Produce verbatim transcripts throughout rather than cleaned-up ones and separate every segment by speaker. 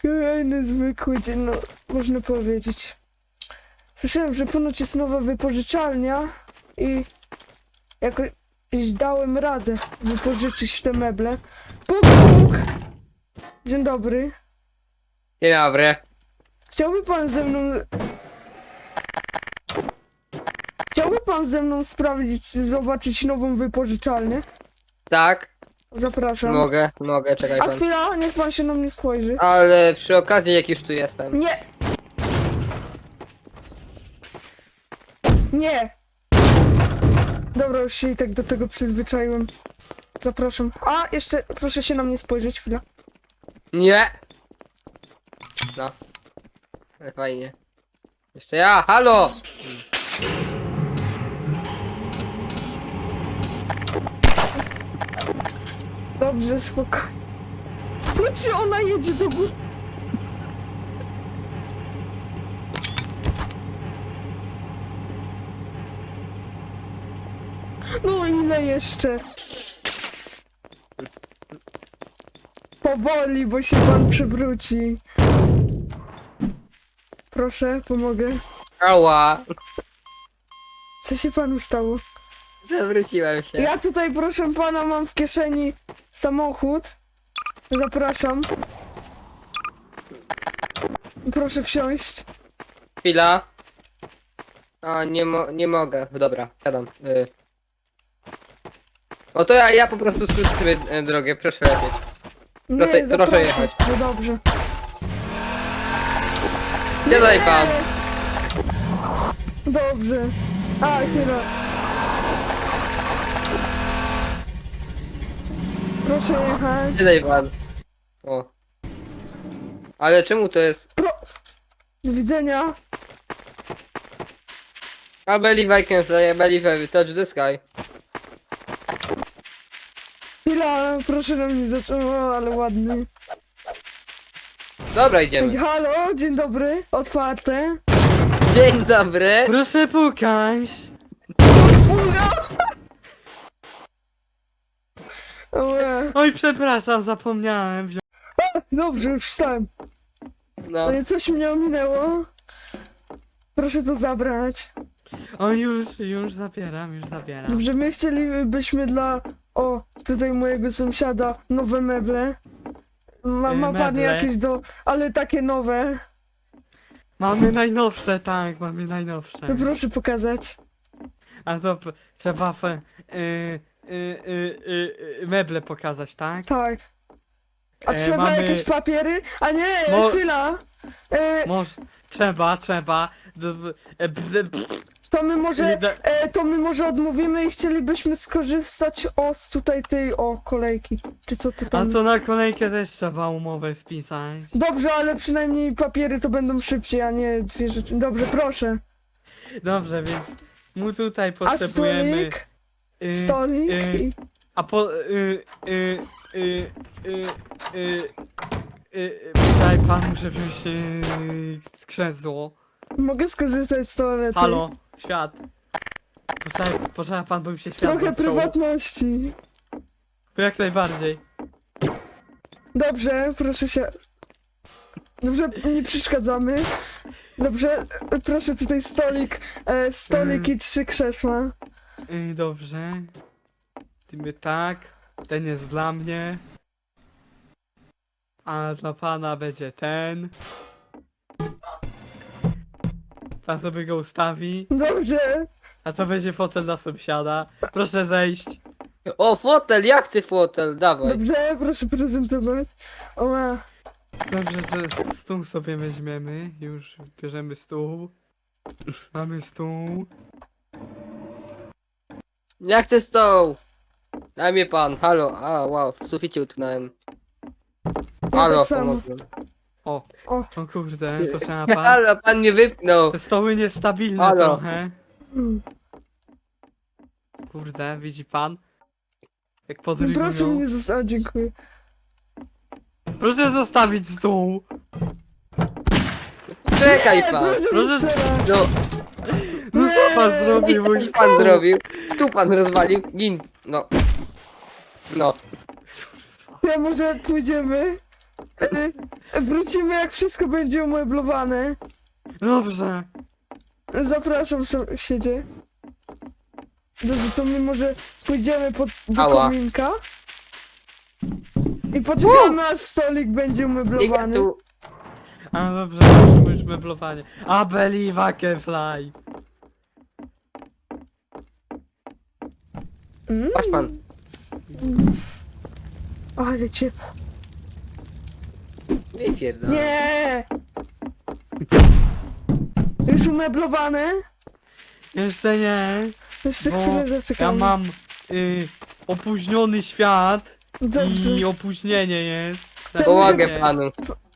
Speaker 1: Kolejny zwykły dzień, no można powiedzieć. Słyszałem, że ponoć jest nowa wypożyczalnia i jakoś dałem radę wypożyczyć te meble. Puk, puk! Dzień dobry.
Speaker 2: Dzień dobry.
Speaker 1: Chciałby pan ze mną... Chciałby pan ze mną sprawdzić, zobaczyć nową wypożyczalnię?
Speaker 2: Tak,
Speaker 1: Zapraszam.
Speaker 2: mogę, mogę, czekaj
Speaker 1: A
Speaker 2: pan.
Speaker 1: chwila, niech pan się na mnie spojrzy.
Speaker 2: Ale przy okazji jak już tu jestem.
Speaker 1: Nie! Nie! Dobra, już się i tak do tego przyzwyczaiłem. Zapraszam. A, jeszcze proszę się na mnie spojrzeć, chwila.
Speaker 2: Nie! No. Ale fajnie. Jeszcze ja, halo!
Speaker 1: Dobrze, spokojnie. No czy ona jedzie do góry? No ile jeszcze? Powoli, bo się pan przewróci. Proszę, pomogę.
Speaker 2: Ała!
Speaker 1: Co się panu stało?
Speaker 2: Zawróciłem się.
Speaker 1: Ja tutaj, proszę pana, mam w kieszeni samochód. Zapraszam. Proszę wsiąść.
Speaker 2: Chwila. A, nie, mo nie mogę. Dobra, siadam. Y o to ja, ja po prostu skrócę sobie e, drogę, proszę lecieć.
Speaker 1: Nie,
Speaker 2: Proszę- proszę
Speaker 1: zapraszam.
Speaker 2: jechać.
Speaker 1: No dobrze.
Speaker 2: Siadaj pan.
Speaker 1: Dobrze. A, chwila. Proszę jechać.
Speaker 2: Siadaj pan. O. Ale czemu to jest...
Speaker 1: Pro... Do widzenia.
Speaker 2: I believe I can fly, I believe I touch the sky.
Speaker 1: Chwila, proszę na mnie zacząć. O, ale ładny.
Speaker 2: Dobra, idziemy.
Speaker 1: Halo, dzień dobry. Otwarte.
Speaker 2: Dzień dobry.
Speaker 3: Proszę pukać.
Speaker 1: Fura. Ue.
Speaker 3: Oj, przepraszam, zapomniałem wziąć.
Speaker 1: Dobrze, już wstałem.
Speaker 2: No.
Speaker 1: Ale coś mnie ominęło. Proszę to zabrać.
Speaker 3: O, już, już zabieram, już zabieram.
Speaker 1: Dobrze, my chcielibyśmy dla... O, tutaj mojego sąsiada nowe meble. Ma,
Speaker 3: Y,
Speaker 1: ma pan
Speaker 3: meble?
Speaker 1: jakieś do... Ale takie nowe.
Speaker 3: Mamy najnowsze, tak, mamy najnowsze.
Speaker 1: No proszę pokazać.
Speaker 3: A to p- trzeba f- y, y, y, y, y, meble pokazać, tak?
Speaker 1: Tak. A
Speaker 3: E,
Speaker 1: trzeba
Speaker 3: mamy-
Speaker 1: jakieś papiery? A nie,
Speaker 3: Mo-
Speaker 1: chwila. E,
Speaker 3: Może, trzeba, trzeba. D- b- e, b- b-
Speaker 1: to my może...
Speaker 3: y, da-
Speaker 1: E, to my może odmówimy i chcielibyśmy skorzystać o z tutaj tej o kolejki. Czy co to
Speaker 3: A
Speaker 1: tam?
Speaker 3: to na kolejkę też trzeba umowę spisać.
Speaker 1: Dobrze, ale przynajmniej papiery to będą szybciej, a nie dwie rzeczy. Dobrze, proszę.
Speaker 3: Dobrze, więc mu tutaj
Speaker 1: A
Speaker 3: potrzebujemy.
Speaker 1: stolik?
Speaker 3: y,
Speaker 1: Stolik?
Speaker 3: y,
Speaker 1: i-
Speaker 3: A po... Y, y, y, y, y, y, Tutaj pan muszę wziąć y, krzesło.
Speaker 1: Mogę skorzystać z toalety?
Speaker 3: Halo, świat. Poczekaj, poczekaj pan, bo mi się świat
Speaker 1: Trochę
Speaker 3: zaczął.
Speaker 1: prywatności.
Speaker 3: To jak najbardziej.
Speaker 1: Dobrze, proszę się... Dobrze, nie przeszkadzamy. Dobrze, proszę tutaj stolik, e, stolik i trzy krzesła.
Speaker 3: Y, dobrze. Tymy tak. Ten jest dla mnie. A dla pana będzie ten. Pan sobie go ustawi.
Speaker 1: Dobrze.
Speaker 3: A to będzie fotel dla sąsiada. Proszę zejść.
Speaker 2: O, fotel, ja chcę fotel, dawaj.
Speaker 1: Dobrze, proszę prezentować. Oła.
Speaker 3: Dobrze, że stół sobie weźmiemy. Już bierzemy stół. Mamy stół.
Speaker 2: Ja chcę stoł. Daj mnie pan, halo. A, wow, w suficie utknąłem. Halo,
Speaker 1: tak samo.
Speaker 2: pomogłem.
Speaker 3: O,
Speaker 1: O.
Speaker 3: o kurde, to trzeba pan.
Speaker 2: Halo, pan mnie wypnął.
Speaker 3: Te stoły niestabilne
Speaker 2: Halo.
Speaker 3: trochę.
Speaker 1: Mm.
Speaker 3: Kurde, widzi pan? Jak
Speaker 1: Proszę
Speaker 3: podrygują.
Speaker 1: mnie zostawić, dziękuję.
Speaker 3: Proszę zostawić stół.
Speaker 2: Czekaj
Speaker 1: Nie,
Speaker 2: pan.
Speaker 1: proszę mnie
Speaker 3: Proszę-
Speaker 1: strzelać.
Speaker 2: No,
Speaker 3: No co pan
Speaker 1: Nie.
Speaker 3: zrobił, mój
Speaker 2: co pan zrobił? Stół pan rozwalił. Gin. No. No.
Speaker 1: Ja może pójdziemy? E, Wrócimy jak wszystko będzie umeblowane.
Speaker 3: Dobrze.
Speaker 1: Zapraszam sąsiedzie. Dobrze, to my może pójdziemy pod, do
Speaker 2: Ała.
Speaker 1: kominka. I poczekamy aż stolik będzie
Speaker 2: I
Speaker 1: umeblowany.
Speaker 2: tu...
Speaker 3: A dobrze, już, już meblowanie. I believe I can fly.
Speaker 1: Mm.
Speaker 2: Patrz pan.
Speaker 1: Ale ciepło.
Speaker 2: Nie pierdolę.
Speaker 1: Nie! Już umeblowane?
Speaker 3: Jeszcze nie.
Speaker 1: Jeszcze
Speaker 3: Bo
Speaker 1: chwilę
Speaker 3: ja
Speaker 1: zaczekamy.
Speaker 3: mam y, opóźniony świat
Speaker 1: Dobrze.
Speaker 3: i opóźnienie jest.
Speaker 1: To
Speaker 2: Pomogę
Speaker 3: Nie.
Speaker 2: panu.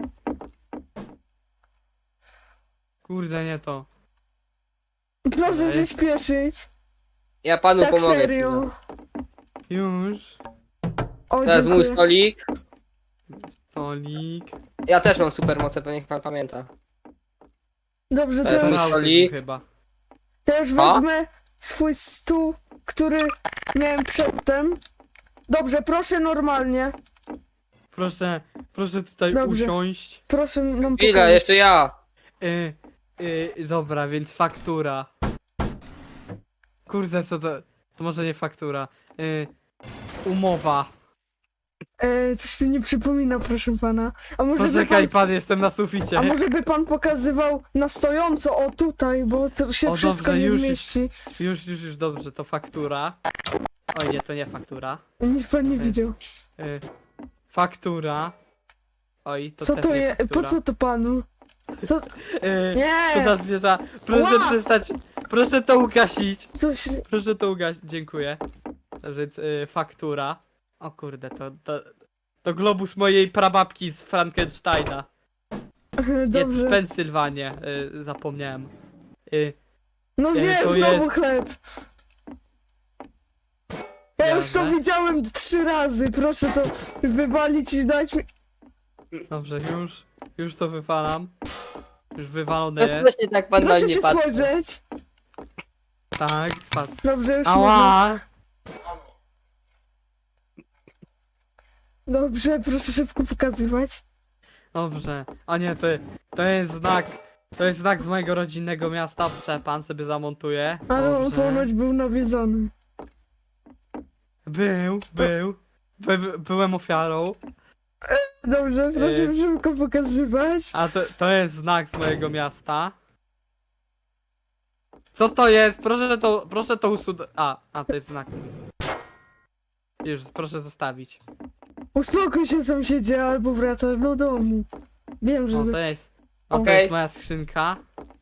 Speaker 3: Kurde, nie to.
Speaker 1: Proszę się śpieszyć.
Speaker 2: Ja panu
Speaker 1: Tak
Speaker 2: pomogę.
Speaker 1: serio.
Speaker 3: Już.
Speaker 1: O,
Speaker 2: To jest mój
Speaker 1: dziękuję.
Speaker 2: stolik.
Speaker 3: Stolik.
Speaker 2: Ja też mam supermoce, pewnie pan pamięta.
Speaker 1: Dobrze,
Speaker 2: To
Speaker 1: to
Speaker 2: jest
Speaker 1: już,
Speaker 2: mój
Speaker 3: Brałbym
Speaker 2: stolik.
Speaker 3: chyba.
Speaker 1: to już
Speaker 2: A?
Speaker 1: wezmę swój stół, który miałem przedtem. Dobrze, proszę normalnie.
Speaker 3: Proszę, proszę tutaj
Speaker 1: Dobrze.
Speaker 3: usiąść.
Speaker 1: Proszę nam
Speaker 2: Chwila,
Speaker 1: pokazać.
Speaker 2: jeszcze ja.
Speaker 3: Y, y, dobra, więc faktura. Kurde, co to? To może nie faktura. Y, umowa.
Speaker 1: E, coś tu nie przypomina, proszę pana. A może, by
Speaker 3: Poczekaj
Speaker 1: pan,
Speaker 3: pan, jestem na suficie.
Speaker 1: a może by pan pokazywał na stojąco, o tutaj, bo to się
Speaker 3: O,
Speaker 1: wszystko
Speaker 3: dobrze,
Speaker 1: nie
Speaker 3: już,
Speaker 1: zmieści.
Speaker 3: Już, już, już, dobrze, to faktura. Oj, nie, to nie faktura.
Speaker 1: Nic pan nie
Speaker 3: To jest-
Speaker 1: widział.
Speaker 3: Y, faktura. Oj, to
Speaker 1: Co
Speaker 3: też
Speaker 1: to
Speaker 3: nie
Speaker 1: jest? Po
Speaker 3: faktura.
Speaker 1: co to panu? Co?
Speaker 3: Y,
Speaker 1: Nie!
Speaker 3: Co za zwierza? Proszę
Speaker 1: Ła!
Speaker 3: przestać. Proszę to ugasić.
Speaker 1: Coś...
Speaker 3: Proszę to ugasić. Dziękuję. Więc y, faktura. O kurde, to, to, to globus mojej prababki z Frankensteina. Nie, z
Speaker 1: Dobrze.
Speaker 3: Pensylwanie. Y, zapomniałem. Y,
Speaker 1: No
Speaker 3: E,
Speaker 1: nie,
Speaker 3: to
Speaker 1: znowu
Speaker 3: jest-
Speaker 1: chleb. Ja już to
Speaker 3: Jasne.
Speaker 1: widziałem trzy razy, proszę to wywalić i dać mi...
Speaker 3: dobrze, już. Już to wywalam. Już
Speaker 2: No
Speaker 3: wywalone jest.
Speaker 2: właśnie tak pan na
Speaker 1: Proszę
Speaker 2: mnie
Speaker 1: się
Speaker 2: patrzy.
Speaker 1: spojrzeć.
Speaker 3: Tak, patrz.
Speaker 1: Dobrze, już można.
Speaker 3: Ała!
Speaker 1: Dobrze, proszę szybko pokazywać.
Speaker 3: Dobrze. A nie, to, to jest znak. To jest znak z mojego rodzinnego miasta. Proszę, pan sobie zamontuje.
Speaker 1: Ale on
Speaker 3: Dobrze.
Speaker 1: ponoć był nawiedzony.
Speaker 3: Był, był. By, byłem ofiarą.
Speaker 1: Dobrze, proszę
Speaker 3: E.
Speaker 1: szybko pokazywać.
Speaker 3: A to, to jest znak z mojego miasta. Co to jest? Proszę to, proszę to usunąć. A, a to jest znak. Już, proszę zostawić.
Speaker 1: Uspokój się sąsiedzie, albo wracasz do domu. Wiem, że...
Speaker 3: O, to jest. O, to
Speaker 2: Okej.
Speaker 3: jest moja skrzynka.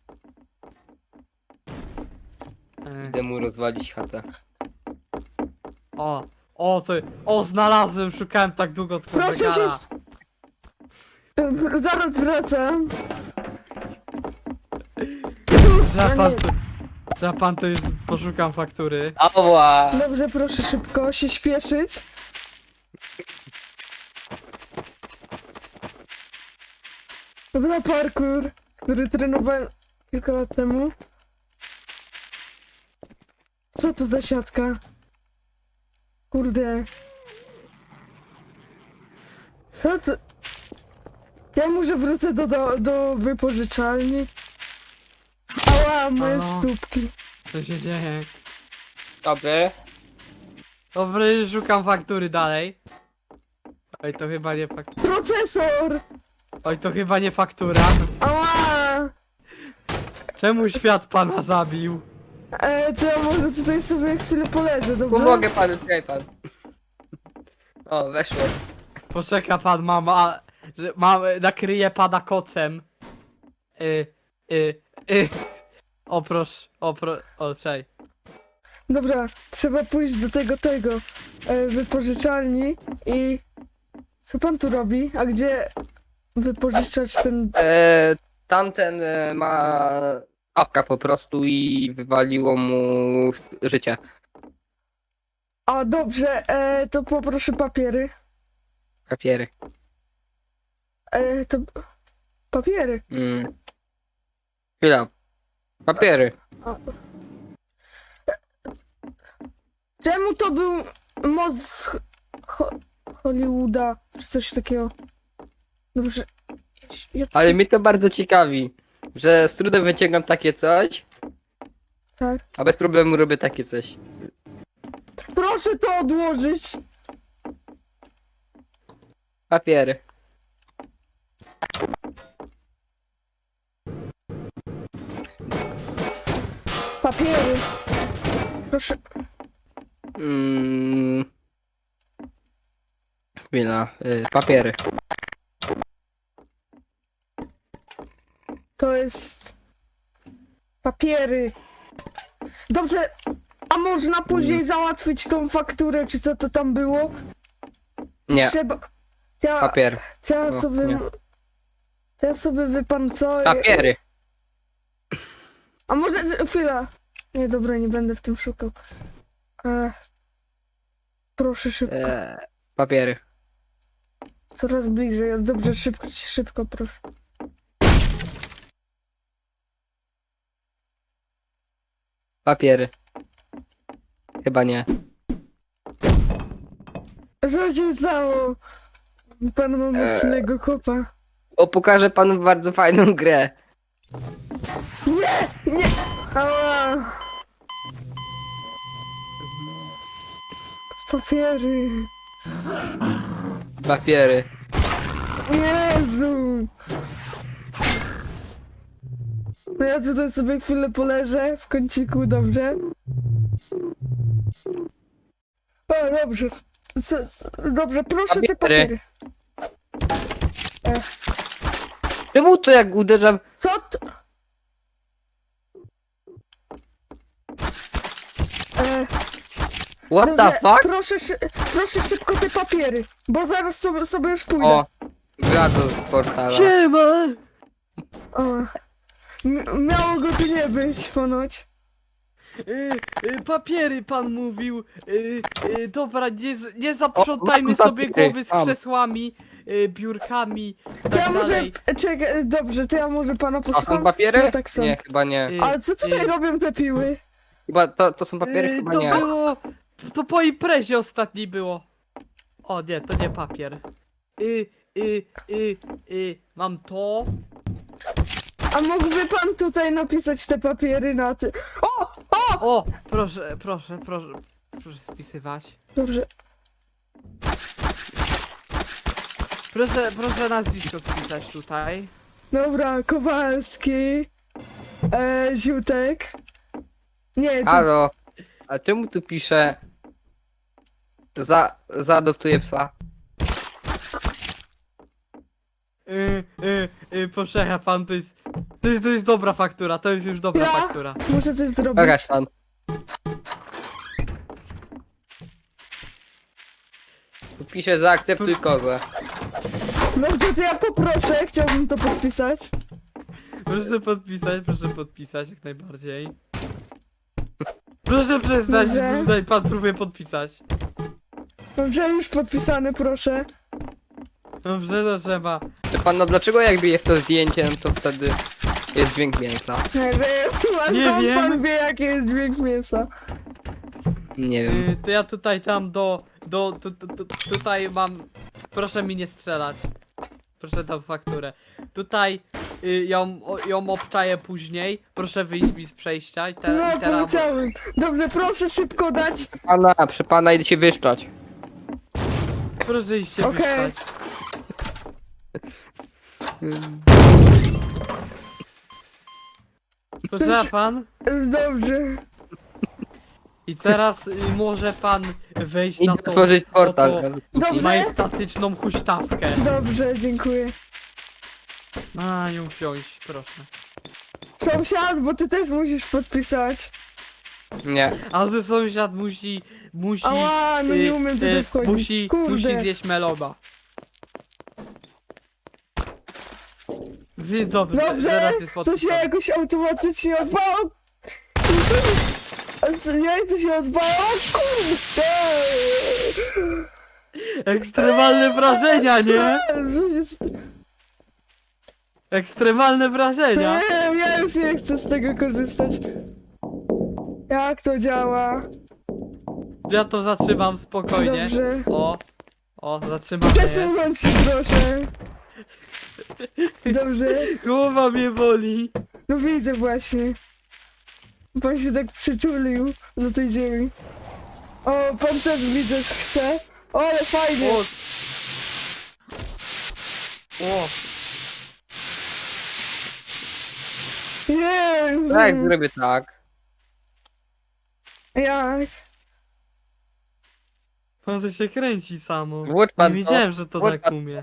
Speaker 3: E,
Speaker 2: Idę mu rozwalić chatę.
Speaker 3: o, o, to. O, znalazłem, szukałem tak długo tego
Speaker 1: Proszę się-
Speaker 3: zegara.
Speaker 1: E, Zaraz wracam.
Speaker 3: Że
Speaker 1: No
Speaker 3: pan
Speaker 1: nie.
Speaker 3: to, że pan to już poszukam faktury.
Speaker 2: Ała!
Speaker 1: Dobrze, proszę szybko się śpieszyć. Dobra, parkour, który trenowałem kilka lat temu. Co to za siatka? Kurde. Co to? Ja może wrócę do, do, do wypożyczalni. Ała, moje
Speaker 3: Halo?
Speaker 1: stópki.
Speaker 3: Co się dzieje?
Speaker 2: Dobry.
Speaker 3: Dobry, szukam faktury dalej. Oj, to chyba nie faktura.
Speaker 1: Procesor!
Speaker 3: Oj, to chyba nie faktura.
Speaker 1: Ała!
Speaker 3: Czemu świat pana zabił?
Speaker 1: E, to ja może tutaj sobie chwilę poleżę, dobrze?
Speaker 2: Pomogę panu, czekaj pan. O, weszło.
Speaker 3: Poczeka pan, mama, że mam, nakryję pana kocem. Y, y, y. O proszę, o pro, o czej.
Speaker 1: Dobra, trzeba pójść do tego, tego, e, wypożyczalni i... Co pan tu robi? A gdzie wypożyczać ten...
Speaker 2: E, tamten e, ma awka po prostu i wywaliło mu życie.
Speaker 1: A, dobrze, e, to poproszę papiery.
Speaker 2: Papiery.
Speaker 1: E, to... Papiery.
Speaker 2: Mm. Chwila. Papiery.
Speaker 1: A. Czemu to był most z Ho- Hollywooda, czy coś takiego? Dobrze. Ja ci-
Speaker 2: Ale mnie to bardzo ciekawi, że z trudem wyciągam takie coś,
Speaker 1: Tak.
Speaker 2: a bez problemu robię takie coś.
Speaker 1: Proszę to odłożyć!
Speaker 2: Papiery.
Speaker 1: Papiery. Proszę.
Speaker 2: Mm. Chwila, y, papiery.
Speaker 1: To jest... Papiery. Dobrze. A można później załatwić tą fakturę, czy co to tam było?
Speaker 2: Nie,
Speaker 1: Trzeba... Ja,
Speaker 2: papier.
Speaker 1: ja
Speaker 2: No,
Speaker 1: sobie...
Speaker 2: nie.
Speaker 1: Ja sobie wie pan co...
Speaker 2: Papiery.
Speaker 1: A może... Chwila. Nie, dobra, nie będę w tym szukał. E, proszę szybko.
Speaker 2: E, papiery.
Speaker 1: Coraz bliżej. Dobrze, szybko, szybko, proszę.
Speaker 2: Papiery. Chyba nie.
Speaker 1: Co się stało? Pan ma mocnego kopa.
Speaker 2: O, pokażę panu bardzo fajną grę.
Speaker 1: Nie! Nie! Ała! Papiery.
Speaker 2: Papiery.
Speaker 1: Jezu! No ja tutaj sobie chwilę poleżę w kąciku, dobrze? O, dobrze. Co, co, dobrze, proszę te
Speaker 2: Papiery.
Speaker 1: papiery.
Speaker 2: Czemu to jak uderzam?
Speaker 1: Co to? E,
Speaker 2: What the
Speaker 1: dobrze,
Speaker 2: fuck?
Speaker 1: proszę, szy, proszę szybko te papiery, bo zaraz sobie, sobie już pójdę.
Speaker 2: O, gra z portala.
Speaker 3: Siema!
Speaker 1: O. M- miało go tu nie być, ponoć.
Speaker 3: Y, y, papiery pan mówił. Y, y, dobra, nie, z- nie zaprzątajmy
Speaker 2: mam
Speaker 3: sobie
Speaker 2: papiery,
Speaker 3: głowy z
Speaker 2: mam.
Speaker 3: krzesłami, y, biurkami, tak
Speaker 1: To ja może...
Speaker 3: dalej.
Speaker 1: Czekaj, dobrze, to ja może pana
Speaker 2: A
Speaker 1: posłucham.
Speaker 2: są papiery?
Speaker 1: No tak są.
Speaker 2: Nie, chyba nie.
Speaker 3: Y,
Speaker 1: Ale co tutaj
Speaker 3: y,
Speaker 1: robią te piły?
Speaker 2: Chyba to, to są papiery?
Speaker 3: y,
Speaker 2: Chyba
Speaker 3: to
Speaker 2: nie.
Speaker 3: było. To po imprezie ostatniej było. O nie, to nie papier. Y, y, y, y, mam to.
Speaker 1: A mógłby pan tutaj napisać te papiery na ty... O! O!
Speaker 3: O, proszę, proszę, proszę, proszę spisywać.
Speaker 1: Dobrze.
Speaker 3: Proszę, proszę nazwisko spisać tutaj.
Speaker 1: Dobra, Kowalski. E, Ziutek. Nie, to...
Speaker 2: Halo, a czemu tu pisze za, zaadoptuję psa?
Speaker 3: Y, y, y, proszę pan, to jest, to jest, to jest dobra faktura, to jest już dobra
Speaker 1: Ja?
Speaker 3: faktura.
Speaker 1: Muszę coś zrobić.
Speaker 2: Pokaż pan. Tu pisze zaakceptuj kozę.
Speaker 1: Dobrze, to ja poproszę, chciałbym to podpisać.
Speaker 3: Proszę podpisać, proszę podpisać jak najbardziej. Proszę przestać,
Speaker 1: Dobrze.
Speaker 3: tutaj pan próbuje podpisać.
Speaker 1: Dobrze, już podpisane, proszę.
Speaker 3: Dobrze, to trzeba.
Speaker 2: Czy pan, no dlaczego jak bije w to zdjęcie, no to wtedy jest dźwięk mięsa?
Speaker 1: Nie wiem, a
Speaker 3: Nie
Speaker 1: skąd
Speaker 3: wiem.
Speaker 1: pan wie, jaki jest dźwięk mięsa?
Speaker 2: Nie wiem.
Speaker 3: Y, to ja tutaj tam do, do, tu, tu, tu, tutaj mam, proszę mi nie strzelać. Proszę tą fakturę. Tutaj y, ją, o, ją obczaję później. Proszę wyjść mi z przejścia i, te,
Speaker 1: No,
Speaker 3: i teraz.
Speaker 1: powiedziałem. Dobrze, proszę szybko dać.
Speaker 2: Pana, przy pana idę się wyszczać.
Speaker 3: Proszę iść się
Speaker 1: Okej.
Speaker 3: wyspać. Proszę pan.
Speaker 1: Dobrze.
Speaker 3: I teraz y, może pan wejść na
Speaker 2: Idę
Speaker 3: tą
Speaker 2: otworzyć portal.
Speaker 3: oto
Speaker 1: Dobrze.
Speaker 3: majestatyczną huśtawkę.
Speaker 1: Dobrze, dziękuję.
Speaker 3: A, ją wziąć, proszę.
Speaker 1: Sąsiad, bo ty też musisz podpisać.
Speaker 2: Nie.
Speaker 3: Ale sąsiad musi, musi...
Speaker 1: Ała, no nie
Speaker 3: y,
Speaker 1: umiem
Speaker 3: y,
Speaker 1: tutaj wchodzić.
Speaker 3: Musi,
Speaker 1: Kurde.
Speaker 3: musi zjeść meloba. Zjedz dobrze,
Speaker 1: Dobrze,
Speaker 3: zaraz jest
Speaker 1: to się
Speaker 3: podpisane.
Speaker 1: jakoś automatycznie odpało. Jak to się odpało? Kurde!
Speaker 3: Ekstremalne wrażenia, nie?
Speaker 1: Co jest?
Speaker 3: Ekstremalne wrażenia.
Speaker 1: Nie, ja już nie chcę z tego korzystać. Jak to działa?
Speaker 3: Ja to zatrzymam spokojnie.
Speaker 1: Dobrze.
Speaker 3: O, o, zatrzymamy. je.
Speaker 1: Przesunąć się proszę. Dobrze?
Speaker 3: Głowa mnie boli.
Speaker 1: No widzę właśnie. Pan się tak przyczulił do tej ziemi. O, pan też widzę, że chce. O, ale fajnie.
Speaker 3: O. O.
Speaker 1: Jezu.
Speaker 2: Tak, zrobię tak.
Speaker 1: Jak?
Speaker 3: Pan to się kręci samo.
Speaker 2: Włócz
Speaker 3: Nie
Speaker 2: pan to.
Speaker 3: wiedziałem, że to
Speaker 2: Włócz
Speaker 3: tak
Speaker 2: pan-
Speaker 3: umie.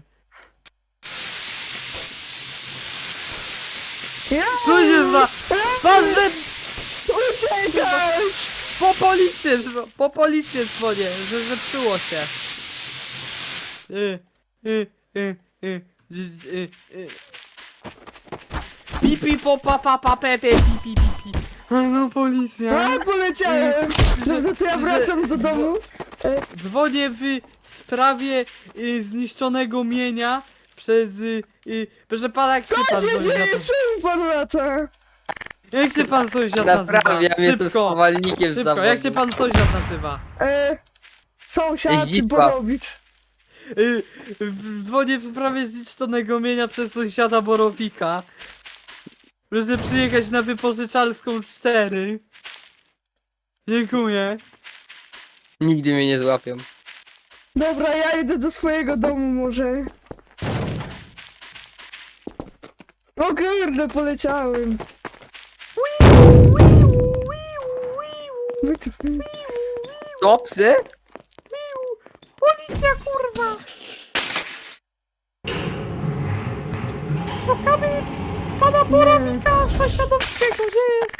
Speaker 1: Ja?
Speaker 3: Co się za... Pan że...
Speaker 1: Uciekać!
Speaker 3: Po policję, dzwo- po policję dzwonię, że zepsuło się. Y, y, y, y, dzi- y, y. Pi, pi, po, pa, pa, pa, pe, pe, pi, pi, pi, pi. A no policja.
Speaker 1: A, poleciałem! Dobra, to ja wracam do domu. E,
Speaker 3: Dzwonię w sprawie y, zniszczonego mienia przez... Y, y, proszę pana, jak się
Speaker 1: Co
Speaker 3: pan
Speaker 1: się
Speaker 3: dzwoni
Speaker 1: dzieje?
Speaker 3: na to?
Speaker 1: Czemu pan lata?
Speaker 3: Jak się pan sąsiad nazywa?
Speaker 2: Naprawiam, jestem
Speaker 3: Szybko,
Speaker 2: spowalnikiem z
Speaker 3: szybko,
Speaker 2: zawodu.
Speaker 3: jak się pan sąsiad nazywa?
Speaker 1: E, sąsiad
Speaker 2: Zdzisław.
Speaker 1: Borowicz.
Speaker 3: Y, w- Dzwonię w sprawie zniszczonego mienia przez sąsiada Borowika. Proszę przyjechać na wypożyczalską cztery. Dziękuję.
Speaker 2: Nigdy mnie nie złapią.
Speaker 1: Dobra, ja idę do swojego domu może. O kurde, poleciałem. Wytyfy.
Speaker 2: To psy?
Speaker 3: Policja, kurwa! Szukamy pana Borowika sąsiadowskiego, gdzie jest?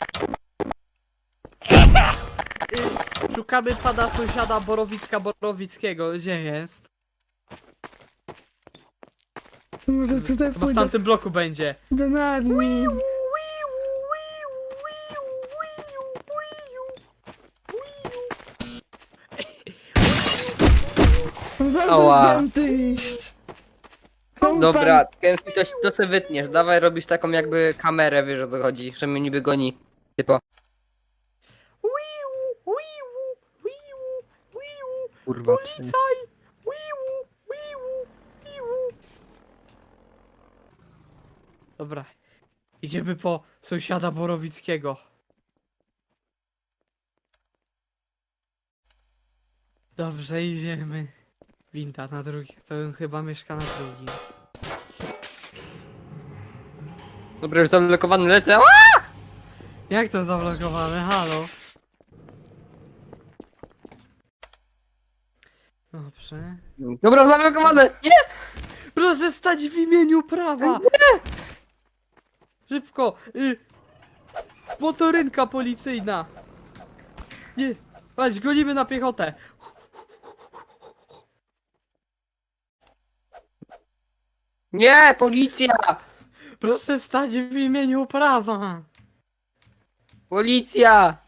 Speaker 3: Y, Szukamy pana sąsiada Borowicka Borowickiego, gdzie jest?
Speaker 1: Może tutaj
Speaker 3: Chyba w
Speaker 1: pójdę
Speaker 3: tamtym bloku będzie.
Speaker 1: do Narni. Dobrze
Speaker 2: Ała.
Speaker 1: zdjęty iść. Pan-
Speaker 2: Dobra, Kenfi, to, to se wytniesz. Dawaj, robisz taką jakby kamerę, wiesz o co chodzi, że mnie niby goni. Typo. Kurwa, psy.
Speaker 3: Policaj! Dobra. Idziemy po sąsiada Borowickiego. Dobrze, idziemy. Winda na drugi. To on chyba mieszka na drugim.
Speaker 2: Dobra, już zablokowany lecę.
Speaker 3: Jak to zablokowane? Halo? Dobrze.
Speaker 2: Dobra, zablokowane! Nie!
Speaker 3: Proszę stać w imieniu prawa! Szybko! Y... Motorynka policyjna! Nie! Chodź, gonimy na piechotę!
Speaker 2: Nie, policja!
Speaker 3: Proszę stać w imieniu prawa!
Speaker 2: Policja!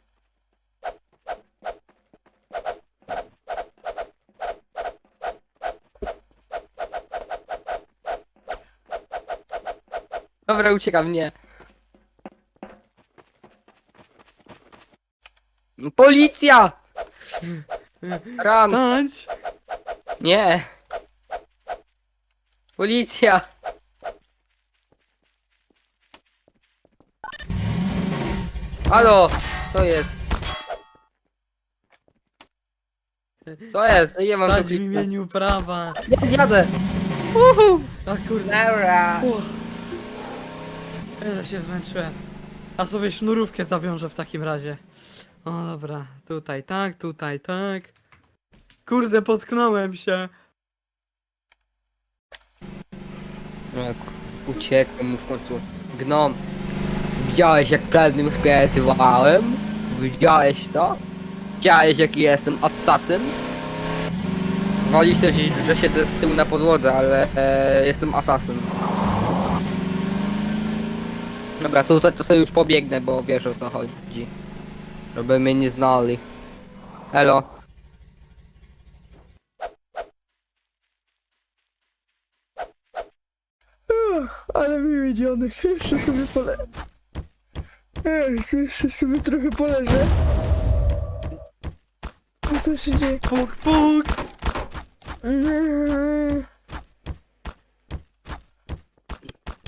Speaker 2: Dobra, uciekam, nie. Policja! Ram!
Speaker 3: Stać!
Speaker 2: Nie! Policja! Halo! Co jest? Co jest? No nie mam
Speaker 3: Stać
Speaker 2: tu
Speaker 3: w imieniu prawa!
Speaker 2: Ja zjadę! Uhu!
Speaker 3: A kurde!
Speaker 2: Dobra!
Speaker 3: Uff. Ja się zmęczyłem. A sobie sznurówkę zawiążę w takim razie. O dobra, tutaj tak, tutaj tak. Kurde, potknąłem się.
Speaker 2: Jak uciekłem mu w końcu. Gnom. Widziałeś jak prawnym spirytowałem? Widziałeś to? Widziałeś jaki jestem asasyn? Wolisz też, że siedzę z tyłu na podłodze, ale e, jestem asasyn. Dobra, to tutaj to sobie już pobiegnę, bo wiesz o co chodzi. Żeby mnie nie znali. Elo.
Speaker 1: Uch, ale miły dzionek. Jeszcze sobie pole... Ej, jeszcze sobie trochę poleżę. A co się dzieje?
Speaker 3: Puk, puk.
Speaker 1: Nie.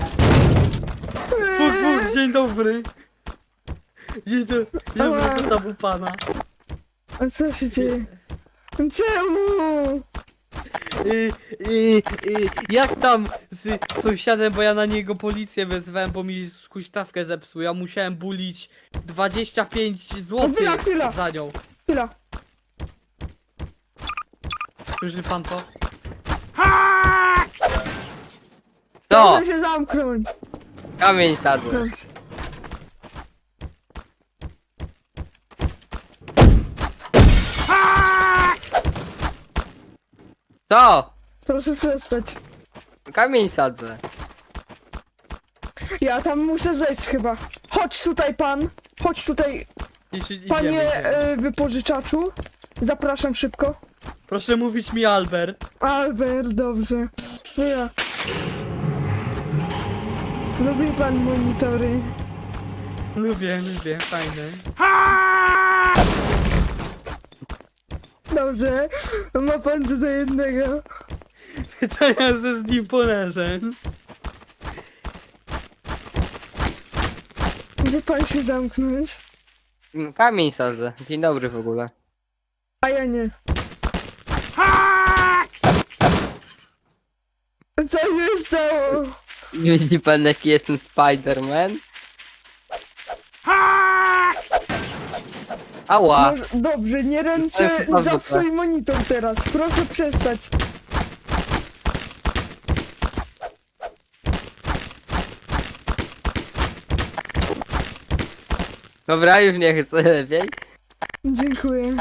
Speaker 3: dzień dobry. Dzień, do... dzień dobry, co tam u pana?
Speaker 1: A co się dzieje? Czemu?
Speaker 3: Y, y, y, jak tam z sąsiadem, bo ja na niego policję wezwałem, bo mi huśtawkę zepsuł. Ja musiałem bulić dwadzieścia pięć
Speaker 1: Chwila,
Speaker 3: złotych
Speaker 1: chwila.
Speaker 3: za nią.
Speaker 1: Chwila.
Speaker 3: Słyszy pan to?
Speaker 2: Co?
Speaker 1: Proszę się zamknąć.
Speaker 2: Kamień sadzę.
Speaker 1: Dobrze.
Speaker 2: Co?
Speaker 1: Proszę przestać.
Speaker 2: Kamień sadzę.
Speaker 1: Ja tam muszę zejść chyba. Chodź tutaj pan. Chodź tutaj,
Speaker 3: Jeśli idziemy,
Speaker 1: panie
Speaker 3: idziemy.
Speaker 1: e, wypożyczaczu. Zapraszam szybko.
Speaker 3: Proszę mówić mi Albert.
Speaker 1: Albert, dobrze. To ja. Lubi pan monitory.
Speaker 3: Lubię, lubię, fajne.
Speaker 1: Dobrze. Ma pan tu za jednego.
Speaker 3: To ja ze z nim poleżę.
Speaker 1: Gdzie pan się zamknąć?
Speaker 2: Mm, Kamień sadzę. Dzień dobry w ogóle.
Speaker 1: A ja nie. Co się stało?
Speaker 2: Widzi pan jaki jestem Spider-Man? Ała!
Speaker 1: Może, dobrze, nie ręczę
Speaker 2: Ale chyba
Speaker 1: za
Speaker 2: zwykle.
Speaker 1: swój monitor teraz. Proszę przestać.
Speaker 2: Dobra, już nie chcę lepiej.
Speaker 1: Dziękuję.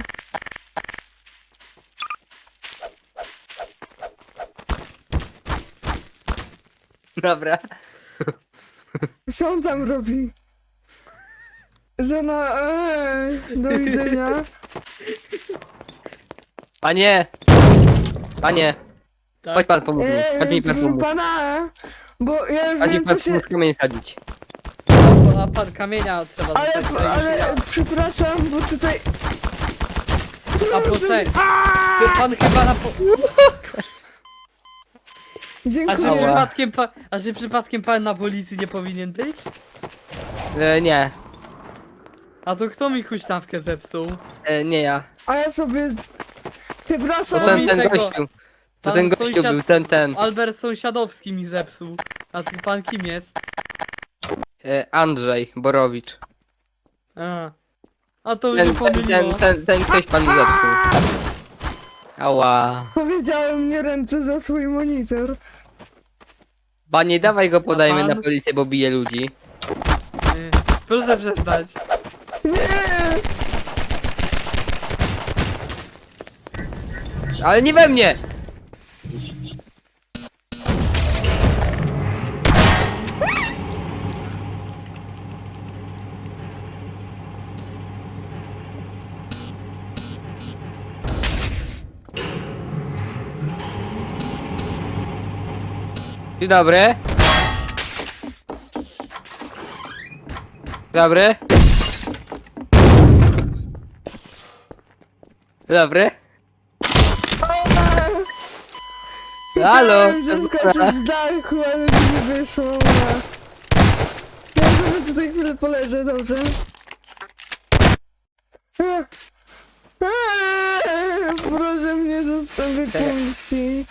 Speaker 2: Dobra.
Speaker 1: Co on tam robi? Żona, eee, do widzenia.
Speaker 2: Panie! Panie!
Speaker 3: Tak.
Speaker 2: Chodź pan pomóż mi. Chodź mi
Speaker 1: Eee,
Speaker 2: pan pomóż.
Speaker 1: pana, e? Bo ja już
Speaker 2: Chodź mi
Speaker 1: wiem
Speaker 2: pan
Speaker 1: co się...
Speaker 2: pomóż kamień sadzić.
Speaker 3: A pan kamienia trzeba
Speaker 1: Ale,
Speaker 3: dostać, a już
Speaker 1: ale,
Speaker 3: ja.
Speaker 1: przepraszam, bo tutaj...
Speaker 3: A poczekaj. Czy pan chyba na po... A czy
Speaker 1: Dziękuję.
Speaker 3: przypadkiem pan... A czy przypadkiem pan na policji nie powinien być?
Speaker 2: E, nie.
Speaker 3: A to kto mi huśtawkę zepsuł?
Speaker 2: E, nie ja.
Speaker 1: A ja sobie... Z...
Speaker 2: To
Speaker 1: Przepraszam.
Speaker 3: No
Speaker 2: ten,
Speaker 3: mi
Speaker 2: ten
Speaker 3: tego-
Speaker 2: gościu. To
Speaker 3: pan
Speaker 2: ten gościu
Speaker 3: sąsiad-
Speaker 2: był, ten, ten.
Speaker 3: Albert Sąsiadowski mi zepsuł. A tu pan kim jest?
Speaker 2: E, Andrzej Borowicz.
Speaker 3: A, a to
Speaker 2: Ten,
Speaker 3: mnie
Speaker 2: ten, ten,
Speaker 3: pomyliło.
Speaker 2: ten, ten ktoś pan zepsuł. Ała.
Speaker 1: Powiedziałem, nie ręczę za swój monitor.
Speaker 2: Panie, dawaj go podajmy
Speaker 3: pan?
Speaker 2: na policję, bo bije ludzi.
Speaker 3: Nie. Proszę przestać.
Speaker 1: Nie!
Speaker 2: Ale nie we mnie! Dzień dobry. Dzień dobry. Dzień dobry. Halo.
Speaker 1: Chciałem zeskoczyć z dachu, ale mi nie wyszło. Ja sobie tutaj chwilę poleżę, dobrze? Eee, eee, Proszę mnie zostaw wypuścić.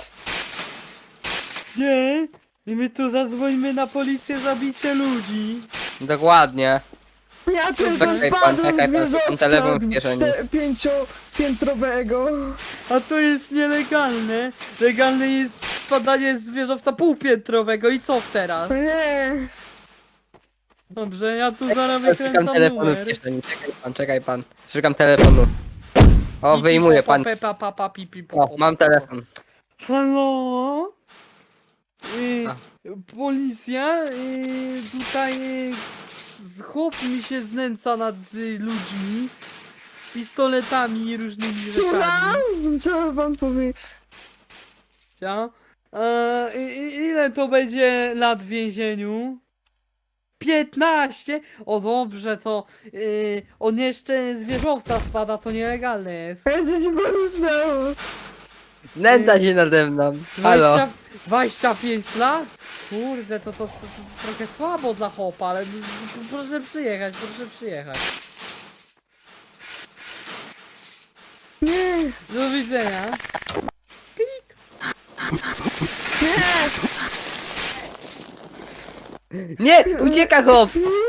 Speaker 3: Nie. I my tu zadzwońmy na policję za bicie ludzi.
Speaker 2: Dokładnie.
Speaker 1: Ja tylko
Speaker 2: Czekaj pan,
Speaker 1: spadłem
Speaker 2: czekaj
Speaker 1: z
Speaker 2: pan, szukam
Speaker 1: wieżowca
Speaker 2: telefon w kieszeni.
Speaker 1: czte- pięciopiętrowego.
Speaker 3: A to jest nielegalne. Legalne jest spadanie z wieżowca półpiętrowego i co teraz?
Speaker 1: Nie,
Speaker 3: Dobrze, ja tu zaraz
Speaker 2: Szukam
Speaker 3: wykręcam
Speaker 2: telefonu
Speaker 3: numer.
Speaker 2: w kieszeni. Czekaj pan, czekaj pan. Szukam telefonu. O,
Speaker 3: Pi,
Speaker 2: wyjmuję
Speaker 3: pi, po,
Speaker 2: pan.
Speaker 3: pe, pa, pa, pa, pi, pi, po,
Speaker 2: O,
Speaker 3: po,
Speaker 2: mam
Speaker 3: po, po.
Speaker 2: telefon.
Speaker 3: Halo? Y,
Speaker 2: A.
Speaker 3: policja? Y, tutaj y, chłop mi się znęca nad y, ludźmi. Pistoletami i różnymi
Speaker 1: słucham?
Speaker 3: rzeczami.
Speaker 1: Co pan powie?
Speaker 3: Ja? E, i, i, ile to będzie lat w więzieniu? piętnaście? O dobrze, to y, on jeszcze z wieżowca spada, to nielegalne jest.
Speaker 1: Ja co ci panu stało?
Speaker 2: Znęca się nade mną. Halo.
Speaker 3: dwadzieścia, dwadzieścia pięć lat? Kurde, to, to, to, to trochę słabo dla chopa, ale proszę przyjechać, proszę przyjechać.
Speaker 1: Nie,
Speaker 3: Do widzenia. Klik.
Speaker 2: Nie, ucieka chłop.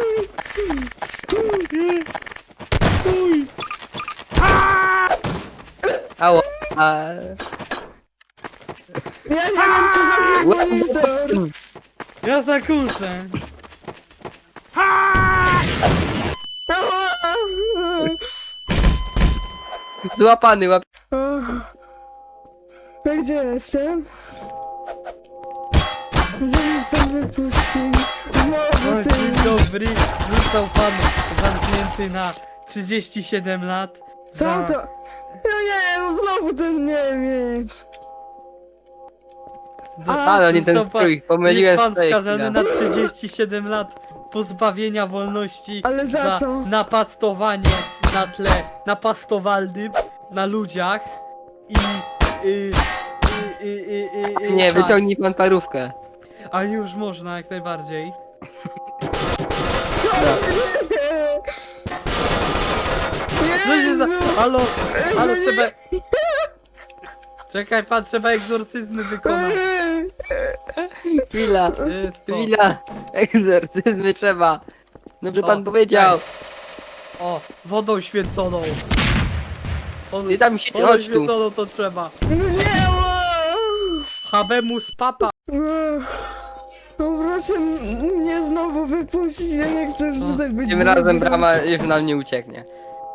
Speaker 2: Ała. A...
Speaker 1: ja nie wiem co za zły monitor.
Speaker 3: Ja zakuszę.
Speaker 2: Złapany, łap.
Speaker 1: A gdzie jestem? Że mnie stąd wypuścili. Znowu
Speaker 3: O,
Speaker 1: ty.
Speaker 3: dzień dobry. Został pan zamknięty na trzydzieści siedem lat.
Speaker 1: Co
Speaker 3: za-
Speaker 1: to? No nie, no znowu ten Niemiec.
Speaker 3: za-
Speaker 2: Ale nie ten
Speaker 3: został pan-
Speaker 2: strój, pomyliłem
Speaker 3: Jest pan
Speaker 2: swoje
Speaker 3: skazany
Speaker 2: chwile.
Speaker 3: na trzydzieści siedem lat pozbawienia wolności.
Speaker 1: Ale za co?
Speaker 3: napastowanie na tle napastowalnym na ludziach i. Y, y, y, y, y, y,
Speaker 2: Nie,
Speaker 3: tak.
Speaker 2: wyciągnij pan parówkę.
Speaker 3: A już można jak najbardziej. Co się za... Halo, halo, trzeba... Czekaj pan, trzeba egzorcyzmy wykonać.
Speaker 2: Chwila,
Speaker 3: Jest to.
Speaker 2: chwila. Egzorcyzmy trzeba. Dobrze
Speaker 3: O,
Speaker 2: pan powiedział.
Speaker 3: O, wodą święconą. O,
Speaker 2: Nie tam się,
Speaker 3: wodą
Speaker 2: chodź tu.
Speaker 3: święconą to trzeba.
Speaker 1: No nie, ła.
Speaker 3: Habemus papa.
Speaker 1: No proszę mnie znowu wypuścić, ja nie chcę już
Speaker 3: No,
Speaker 1: tutaj być.
Speaker 2: Tym razem brama już nam nie ucieknie.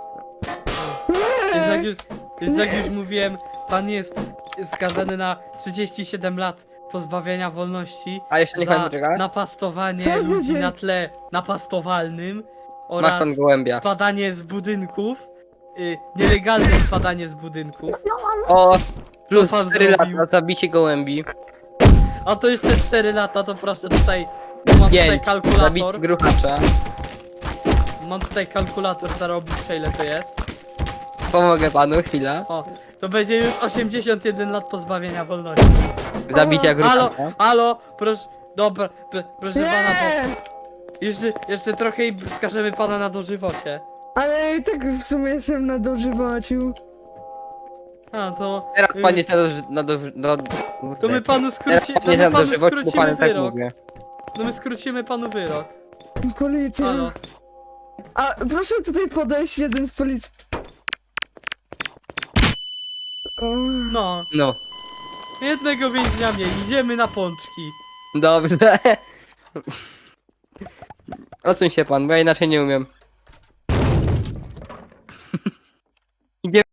Speaker 3: Więc jak już, więc jak już mówiłem, pan jest skazany na trzydzieści siedem lat pozbawienia wolności
Speaker 2: A jeszcze niech pan
Speaker 3: za
Speaker 2: poczeka.
Speaker 1: Co
Speaker 3: napastowanie
Speaker 1: za
Speaker 3: ludzi
Speaker 1: dzień?
Speaker 3: na tle napastowalnym
Speaker 2: Masz
Speaker 3: oraz
Speaker 2: pan gołębia.
Speaker 3: spadanie z budynków, y, nielegalne spadanie z budynków.
Speaker 2: O, plus
Speaker 3: pan
Speaker 2: cztery
Speaker 3: zrobił?
Speaker 2: lata, zabicie gołębi.
Speaker 3: A to jeszcze cztery lata, to proszę tutaj, mam tutaj
Speaker 2: pięć, zabicie
Speaker 3: kalkulator,
Speaker 2: gruchacza.
Speaker 3: mam tutaj kalkulator zarobić, ile to jest.
Speaker 2: Pomogę panu, chwila.
Speaker 3: O, to będzie już osiemdziesiąt jeden lat pozbawienia wolności.
Speaker 2: Zabicia
Speaker 3: Halo,
Speaker 2: gruchacza.
Speaker 3: halo, proszę, dobra, p- proszę pana, bo
Speaker 1: Nie,
Speaker 3: jeszcze, jeszcze trochę i skażemy pana na dożywocie.
Speaker 1: ale i tak w sumie jestem na dożywaciu.
Speaker 3: A, to...
Speaker 2: Teraz
Speaker 3: y,
Speaker 2: pan jest na do... Na do, do kurde.
Speaker 3: To my panu
Speaker 2: Teraz
Speaker 3: skróci,
Speaker 2: pan
Speaker 3: no
Speaker 2: jest
Speaker 3: my
Speaker 2: na
Speaker 3: panu
Speaker 2: dożywocie, bo
Speaker 3: skrócimy
Speaker 2: panu tak
Speaker 3: wyrok.
Speaker 2: mówię.
Speaker 3: No my skrócimy panu wyrok.
Speaker 1: Policja.
Speaker 3: Halo.
Speaker 1: A proszę tutaj podejść jeden z policji. O,
Speaker 3: No,
Speaker 2: No,
Speaker 3: jednego więźnia mniej, idziemy na pączki.
Speaker 2: dobrze. Odsuń się pan, bo ja inaczej nie umiem. Idziemy